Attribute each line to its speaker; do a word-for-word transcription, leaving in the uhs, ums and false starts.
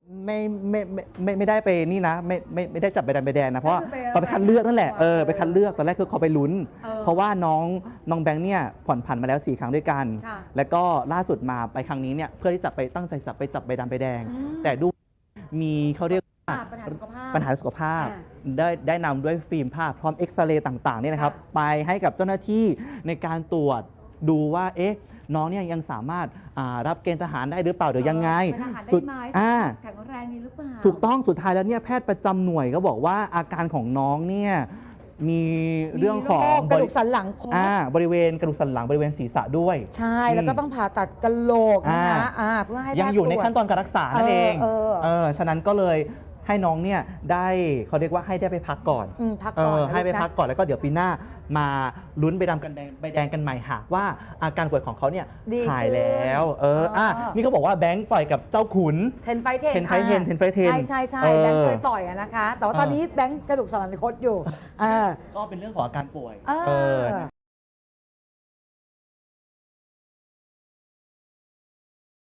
Speaker 1: ไม่ไม่ไม่ไม่ไม่ได้ไปนี่นะไม่ไม่ไม่ได้จับใบดำใบแดงนะเพราะว่า
Speaker 2: ก็คือไป
Speaker 1: เขาไปคัดเลือกนั่นแหละ
Speaker 2: ไป
Speaker 1: เออไปคัดเลือกตอนแรกคือเขาไปลุ้น
Speaker 2: เออ
Speaker 1: เพราะว่าน้องน้องแบงค์เนี่ยผ่อนผันมาแล้วสี่ครั้งด้วยกัน
Speaker 2: ค่ะ
Speaker 1: แล้วก็ล่าสุดมาไปครั้งนี้เนี่ยเพื่อที่จะไปตั้งใจจับไปจับใบดำใบแดง
Speaker 2: อืม
Speaker 1: แต่ดูมีเขาเรียกว่า
Speaker 2: อ่าปัญหาสุขภาพ
Speaker 1: ปัญหาสุขภาพ
Speaker 2: อ่
Speaker 1: ได้ได้นำด้วยฟิล์มภาพพร้อมเอ็กซเรย์ต่างๆเนี่ยนะครับ
Speaker 2: ค่ะ
Speaker 1: ไปให้กับเจ้าหน้าที่ในการตรวจดูว่าเอ๊ะน้องเนี่ยยังสามารถอ่ารับเกณฑ์ทหารได้หรือเปล่าหรือยังไง
Speaker 2: เป็นทหารได้
Speaker 1: สุด
Speaker 2: ไหม
Speaker 1: อ่า
Speaker 2: แข็งแรงนี้หรือเปล่า
Speaker 1: ถูกต้องสุดท้ายแล้วเนี่ยแพทย์ประจำหน่วยก็บอกว่าอาการของน้องเนี่ยมีเรื่องของ
Speaker 2: มีโรคกระดูกสันหลังคด
Speaker 1: อ่าบริเวณกระดูกสันหลังบริเวณศีรษะด้วย
Speaker 2: ใช่แล้วก็ต้องผ่าตัดกะโหลกนะคะอ่าเพื่อให้
Speaker 1: ยัง
Speaker 2: แพท
Speaker 1: อยู่ใน
Speaker 2: ตรวจ
Speaker 1: ขั้นตอนการรักษานั่นเอง
Speaker 2: เออเออ
Speaker 1: เออฉะนั้นก็เลยให้น้องเนี่ยได้เขาเรียกว่าให้ได้ไปพักก่อน
Speaker 2: อืมพัก
Speaker 1: เอ
Speaker 2: ก่อน
Speaker 1: อ
Speaker 2: นะ
Speaker 1: ให้ไป
Speaker 2: ลูนะ
Speaker 1: พักก่อนแล้วก็เดี๋ยวปีหน้ามาลุ้นใบดำกันแดงใบแดงกันใหม่หากว่าอาการป่วยของเขาเนี่ย
Speaker 2: ดี
Speaker 1: หาย
Speaker 2: ขึ้น
Speaker 1: แล้วเออ
Speaker 2: อ๋ออ่
Speaker 1: อ่ะนี่เขาบอกว่าแบงค์ต่อยกับเจ้าขุน
Speaker 2: เทนไฟเทน
Speaker 1: เทนไฟเทนเทนไฟเทน
Speaker 2: ใช่ใช่ใช่
Speaker 1: เออ
Speaker 2: แบงค์เคยต่อยอะนะคะ แต่ว่าตอนนี้แบงค์กระดูกสันหลังคดอยู่เออ
Speaker 1: ก็เป็นเรื่องของอาการป่วย
Speaker 2: เออ
Speaker 1: เออ